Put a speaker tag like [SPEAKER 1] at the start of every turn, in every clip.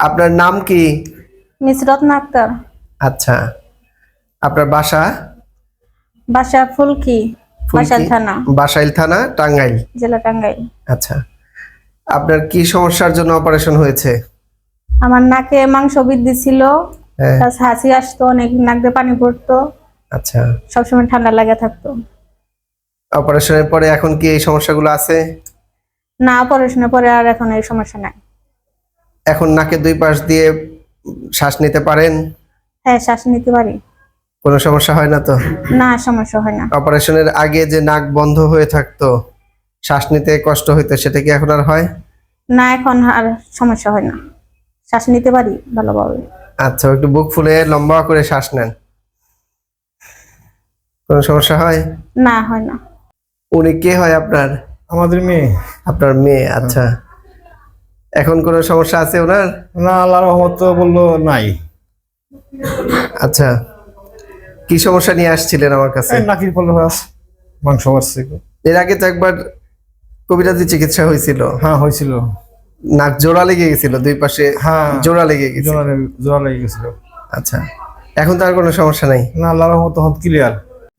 [SPEAKER 1] আপনার নাম কি?
[SPEAKER 2] মিস রত্না আক্তার।
[SPEAKER 1] আচ্ছা, আপনার বাসা?
[SPEAKER 2] বাসা ফুলকি, বাসাইল থানা,
[SPEAKER 1] বাসাইল থানা, টাঙ্গাইল
[SPEAKER 2] জেলা টাঙ্গাইল।
[SPEAKER 1] আচ্ছা, আপনার কি সমস্যার জন্য অপারেশন হয়েছে?
[SPEAKER 2] আমার নাকে মাংস বৃদ্ধি ছিল,
[SPEAKER 1] হ্যাঁ।
[SPEAKER 2] প্লাস হাসি আসতো, অনেক নাক দিয়ে পানি পড়তো,
[SPEAKER 1] আচ্ছা,
[SPEAKER 2] সবসময় ঠান্ডা লাগে থাকতো।
[SPEAKER 1] অপারেশনের পরে এখন কি এই সমস্যাগুলো আছে?
[SPEAKER 2] না, অপারেশনের পরে আর এখন এই সমস্যা নাই।
[SPEAKER 1] এখন নাকে দুই পাশ দিয়ে শ্বাস নিতে পারেন?
[SPEAKER 2] হ্যাঁ, শ্বাস নিতে পারি।
[SPEAKER 1] কোনো সমস্যা হয় না তো?
[SPEAKER 2] না, সমস্যা হয় না।
[SPEAKER 1] অপারেশনের আগে যে নাক বন্ধ হয়ে থাকতো, শ্বাস নিতে কষ্ট হইতো, সেটা কি এখন আর হয়?
[SPEAKER 2] না, এখন আর সমস্যা হয় না, শ্বাস নিতে পারি ভালোভাবে।
[SPEAKER 1] আচ্ছা, একটু বুক ফুলে লম্বা করে শ্বাস নেন। কোনো সমস্যা হয়?
[SPEAKER 2] না, হয় না।
[SPEAKER 1] উনি কে হয় আপনার?
[SPEAKER 3] আমাদের মেয়ে।
[SPEAKER 1] আপনার মেয়ে, আচ্ছা। এখন কোনো সমস্যা আছে ওনার?
[SPEAKER 3] না, আল্লাহর রহমত তো বললো নাই।
[SPEAKER 1] আচ্ছা, কি সমস্যা নিয়ে আসছিলেন আমার কাছে?
[SPEAKER 3] এই নাকির পল্ল হয়ে আছে, মাংস বাড়ছে।
[SPEAKER 1] এর আগে তো একবার কবিরাজি চিকিৎসা হয়েছিল।
[SPEAKER 3] হ্যাঁ, হয়েছিল।
[SPEAKER 1] নাক জোড়া লেগে গেছিল, দুই পাশে
[SPEAKER 3] হ্যাঁ,
[SPEAKER 1] জোড়া লেগে গেছিল।
[SPEAKER 3] জোড়া লেগে গেছিল।
[SPEAKER 1] আচ্ছা, এখন তো আর কোনো সমস্যা নাই?
[SPEAKER 3] না, আল্লাহর রহমত তখন ক্লিয়ার।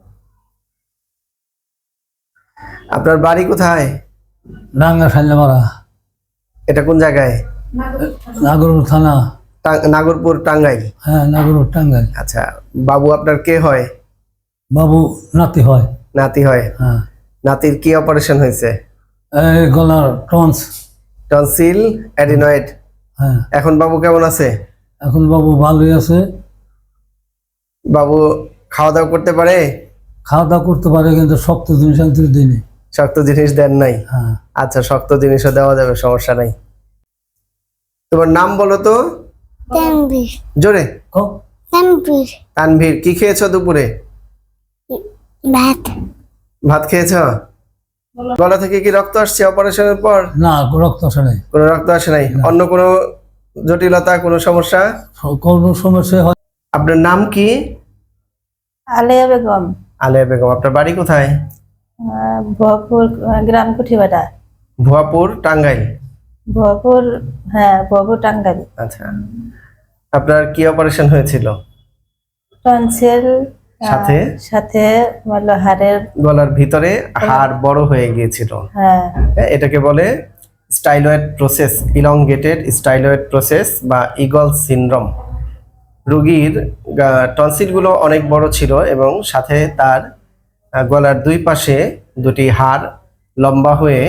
[SPEAKER 1] আপনার বাড়ি কোথায়?
[SPEAKER 4] ডাঙ্গা সাইলামারা,
[SPEAKER 1] এটা কোন জায়গায়?
[SPEAKER 4] নাগরপুর থানা।
[SPEAKER 1] নাগরপুর, টাঙ্গাইল।
[SPEAKER 4] হ্যাঁ, নাগরপুর টাঙ্গাইল।
[SPEAKER 1] আচ্ছা, বাবু আপনার কে হয়?
[SPEAKER 4] বাবু নাতি হয়।
[SPEAKER 1] নাতি হয়।
[SPEAKER 4] হ্যাঁ,
[SPEAKER 1] নাতির কি অপারেশন হয়েছে?
[SPEAKER 4] এই গলার টন্স।
[SPEAKER 1] Tonsil, adenoid.
[SPEAKER 4] হ্যাঁ,
[SPEAKER 1] এখন বাবু কেমন আছে?
[SPEAKER 4] এখন বাবু ভালোই আছে।
[SPEAKER 1] বাবু খাওয়া দাওয়া করতে পারে?
[SPEAKER 4] খাওয়া দাওয়া করতে পারে, কিন্তু শক্ত জিনিস আনতে দিনে।
[SPEAKER 1] শক্ত জিনিস দেন নাই?
[SPEAKER 4] হ্যাঁ।
[SPEAKER 1] আচ্ছা, শক্ত জিনিসও দেওয়া যাবে, সমস্যা নাই। তোমার নাম বলো তো?
[SPEAKER 5] তানভীর।
[SPEAKER 1] জোরে।
[SPEAKER 5] তানভীর।
[SPEAKER 1] তানভীর, কি খেয়েছো দুপুরে?
[SPEAKER 5] ভাত।
[SPEAKER 1] ভাত খেয়েছো? গলা থেকে কি রক্ত আসছে অপারেশনের পর?
[SPEAKER 4] না, রক্ত আসে নাই।
[SPEAKER 1] কোনো রক্ত আসে নাই? অন্য কোনো জটিলতা, কোনো সমস্যা?
[SPEAKER 4] কোনো সমস্যা হয়।
[SPEAKER 1] আপনার নাম কি?
[SPEAKER 2] আলেয়া বেগম।
[SPEAKER 1] আলেয়া বেগম। আপনার বাড়ি কোথায়?
[SPEAKER 2] ভুয়াপুর গ্রাম কুঠিবাটা।
[SPEAKER 1] ভুয়াপুর, টাঙ্গাইল।
[SPEAKER 2] ভুয়াপুর, হ্যাঁ, ভুয়াপুর টাঙ্গাইল।
[SPEAKER 1] আচ্ছা, আপনার কি অপারেশন হয়েছিল?
[SPEAKER 2] টনসিল,
[SPEAKER 1] সাথে
[SPEAKER 2] সাথে হলো হাড়ের,
[SPEAKER 1] গলার ভিতরে হাড় বড় হয়ে গিয়েছিল।
[SPEAKER 2] হ্যাঁ,
[SPEAKER 1] এটাকে বলে styloid process, elongated styloid process বা ইগল সিনড্রোম। রোগীর টনসিলগুলো অনেক বড় ছিল এবং সাথে তার গলার দুই পাশে দুটি হাড় লম্বা হয়ে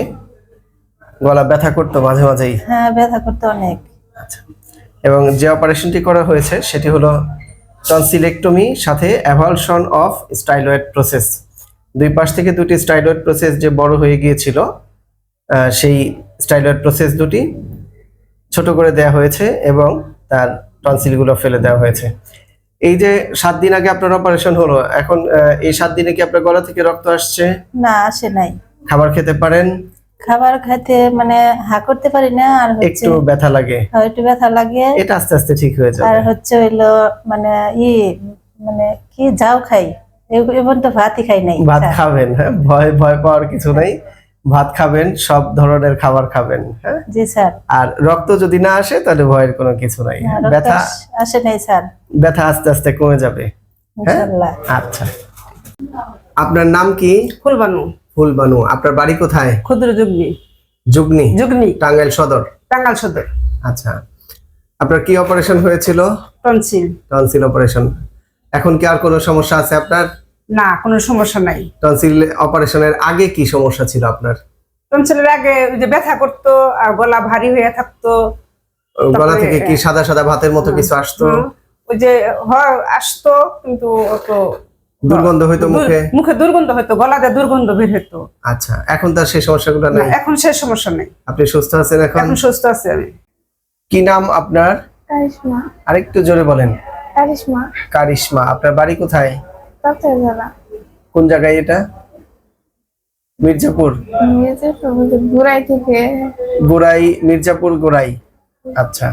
[SPEAKER 1] গলা ব্যথা করতো মাঝে মাঝেই।
[SPEAKER 2] হ্যাঁ, ব্যথা করতে অনেক।
[SPEAKER 1] আচ্ছা, এবং যে অপারেশনটি করা হয়েছে সেটি হলো টনসিলেক্টমি সাথে অ্যাভালশন অফ স্টাইলয়েড প্রসেস। দুই পাশ থেকে দুটি স্টাইলয়েড প্রসেস যে বড় হয়ে গিয়েছিল, সেই স্টাইলয়েড প্রসেস দুটি ছোট করে দেওয়া হয়েছে এবং তার টনসিলগুলো ফেলে দেওয়া হয়েছে। এই যে 7 দিন আগে আপনার অপারেশন হলো, এখন এই 7 দিনে কি আপনার গলা থেকে রক্ত আসছে?
[SPEAKER 2] না, আসে নাই।
[SPEAKER 1] খাবার খেতে পারেন?
[SPEAKER 2] খাবার খাইতে মানে হা করতে পারি না, আর হচ্ছে
[SPEAKER 1] একটু ব্যথা লাগে?
[SPEAKER 2] একটু ব্যথা লাগে,
[SPEAKER 1] এটা আস্তে আস্তে ঠিক হয়ে যাবে।
[SPEAKER 2] আর হচ্ছে হইলো মানে মানে কি যাও খাই, এখন তো ভাতই খাই নাই।
[SPEAKER 1] ভাত খাবেন, হ্যাঁ, ভয় পাওয়ার কিছু নাই। ভাত খাবেন, সব ধরনের খাবার খাবেন, হ্যাঁ।
[SPEAKER 2] জি স্যার।
[SPEAKER 1] আর রক্ত যদি না আসে তাহলে ভয়ের কোনো কিছু নাই।
[SPEAKER 2] রক্ত
[SPEAKER 1] ব্যথা
[SPEAKER 2] আসে নাই স্যার,
[SPEAKER 1] ব্যথা আস্তে আস্তে কমে যাবে, হ্যাঁ।
[SPEAKER 2] ইনশাআল্লাহ।
[SPEAKER 1] আচ্ছা, আপনার নাম কি?
[SPEAKER 6] ফুলবানু।
[SPEAKER 1] ফুলবানু। আপনার বাড়ি কোথায়?
[SPEAKER 6] ক্ষুদ্র যুগ্নি।
[SPEAKER 1] যুগনি,
[SPEAKER 6] যুগ্নি,
[SPEAKER 1] টাঙ্গাইল সদর।
[SPEAKER 6] টাঙ্গাইল সদর।
[SPEAKER 1] আচ্ছা, আপনার কি অপারেশন হয়েছিল?
[SPEAKER 6] টনসিল।
[SPEAKER 1] Tonsil operation. এখন কি আর কোনো সমস্যা আছে আপনার?
[SPEAKER 6] না, কোনো সমস্যা নাই।
[SPEAKER 1] টনসিল অপারেশনের আগে কি সমস্যা ছিল আপনার?
[SPEAKER 6] টনসিলের আগে ওই যে ব্যথা করতো আর গলা ভারী হয়ে থাকতো।
[SPEAKER 1] গলা থেকে কি সাদা সাদা ভাতের মতো কিছু আসতো?
[SPEAKER 6] ওই যে আসতো, কিন্তু অত
[SPEAKER 1] দুর্গন্ধ হইতো মুখে?
[SPEAKER 6] মুখে দুর্গন্ধ হইতো, গলাতে দুর্গন্ধ বের হইতো।
[SPEAKER 1] আচ্ছা, এখন তার সেই সমস্যাগুলো
[SPEAKER 6] না,
[SPEAKER 1] নেই?
[SPEAKER 6] এখন সে সমস্যা নেই।
[SPEAKER 1] আপনি সুস্থ আছেন এখন?
[SPEAKER 6] এখন সুস্থ আছি আমি।
[SPEAKER 1] কি নাম আপনার?
[SPEAKER 5] কারিশমা।
[SPEAKER 1] আরেকটু জোরে বলেন।
[SPEAKER 5] কারিশমা।
[SPEAKER 1] কারিশমা। আপনার বাড়ি কোথায়?
[SPEAKER 5] ডক্টর জানা।
[SPEAKER 1] কোন জায়গায় এটা? মির্জাপুর?
[SPEAKER 5] বুড়াই থেকে।
[SPEAKER 1] গোড়াই, মির্জাপুর গোড়াই। আচ্ছা,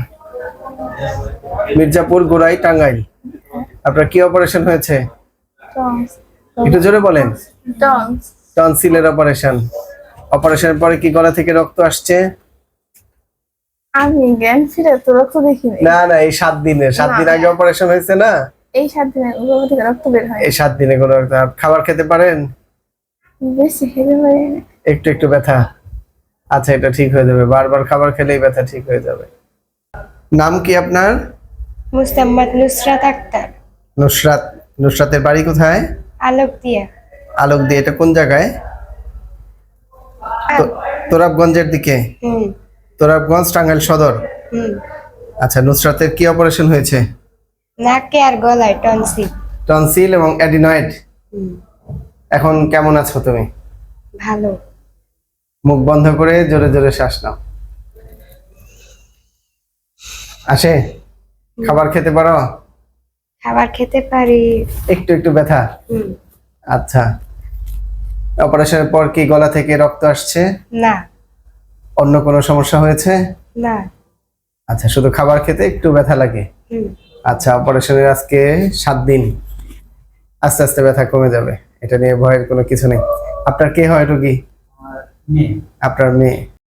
[SPEAKER 1] মির্জাপুর গোড়াই, টাঙ্গাইল। আপনার কি অপারেশন হয়েছে?
[SPEAKER 5] টন্স।
[SPEAKER 1] একটু জোরে বলেন।
[SPEAKER 5] টন্স।
[SPEAKER 1] টনসিলের অপারেশন। অপারেশনের পরে কি গলা থেকে রক্ত আসছে?
[SPEAKER 5] আমি জ্ঞান ফিরে তো রক্ত দেখিনি।
[SPEAKER 1] না না, এই 7 দিনে, 7 দিন
[SPEAKER 5] না।
[SPEAKER 1] আগে অপারেশন হয়েছে না,
[SPEAKER 5] এই 7 দিনে গর্ভ থেকে রক্ত বের হয়।
[SPEAKER 1] এই 7 দিনে কোনো খাবার খেতে পারেন?
[SPEAKER 5] বেশি খেতে পারি না।
[SPEAKER 1] একটু একটু ব্যথা। আচ্ছা, এটা ঠিক হয়ে যাবে, বারবার খাবার খেলেই ব্যথা ঠিক হয়ে যাবে। নাম কি আপনার?
[SPEAKER 7] মুস্তাম্মাদ নুসরাত আক্তার,
[SPEAKER 1] নুসরাত। নুসরাতের বাড়ি কোথায়?
[SPEAKER 7] আলোক দিয়া।
[SPEAKER 1] আলোক দিয়ে, এটা কোন জায়গায়? তোরাবগঞ্জের দিকে?
[SPEAKER 7] হুম
[SPEAKER 1] তোরাবগঞ্জ, টাঙ্গাইল সদর।
[SPEAKER 7] হুম।
[SPEAKER 1] আচ্ছা, নুসরাতের কি অপারেশন হয়েছে?
[SPEAKER 7] নাকে আর গলায় টনসিল।
[SPEAKER 1] টনসিল এবং অ্যাডিনয়েড।
[SPEAKER 7] হুম।
[SPEAKER 1] এখন কেমন আছো তুমি?
[SPEAKER 7] ভালো।
[SPEAKER 1] মুখ বন্ধ করে জোরে জোরে শ্বাস নাও। আসে? খাবার খেতে পারো?
[SPEAKER 7] খাবার খেতে পারি।
[SPEAKER 1] একটু একটু ব্যথা।
[SPEAKER 7] হুম।
[SPEAKER 1] আচ্ছা, অপারেশনের পর কি গলা থেকে রক্ত আসছে?
[SPEAKER 7] না
[SPEAKER 1] অন্য কোনো সমস্যা হয়েছে?
[SPEAKER 7] না।
[SPEAKER 1] আচ্ছা, শুধু খাবার খেতে একটু ব্যথা লাগে।
[SPEAKER 7] হুম।
[SPEAKER 1] আচ্ছা, অপারেশনের আজকে 7 দিন, আস্তে আস্তে ব্যথা কমে যাবে, এটা নিয়ে ভয়ের কোনো কিছু নেই। আপনার কে হয় রোগী? আপনার মেয়ে।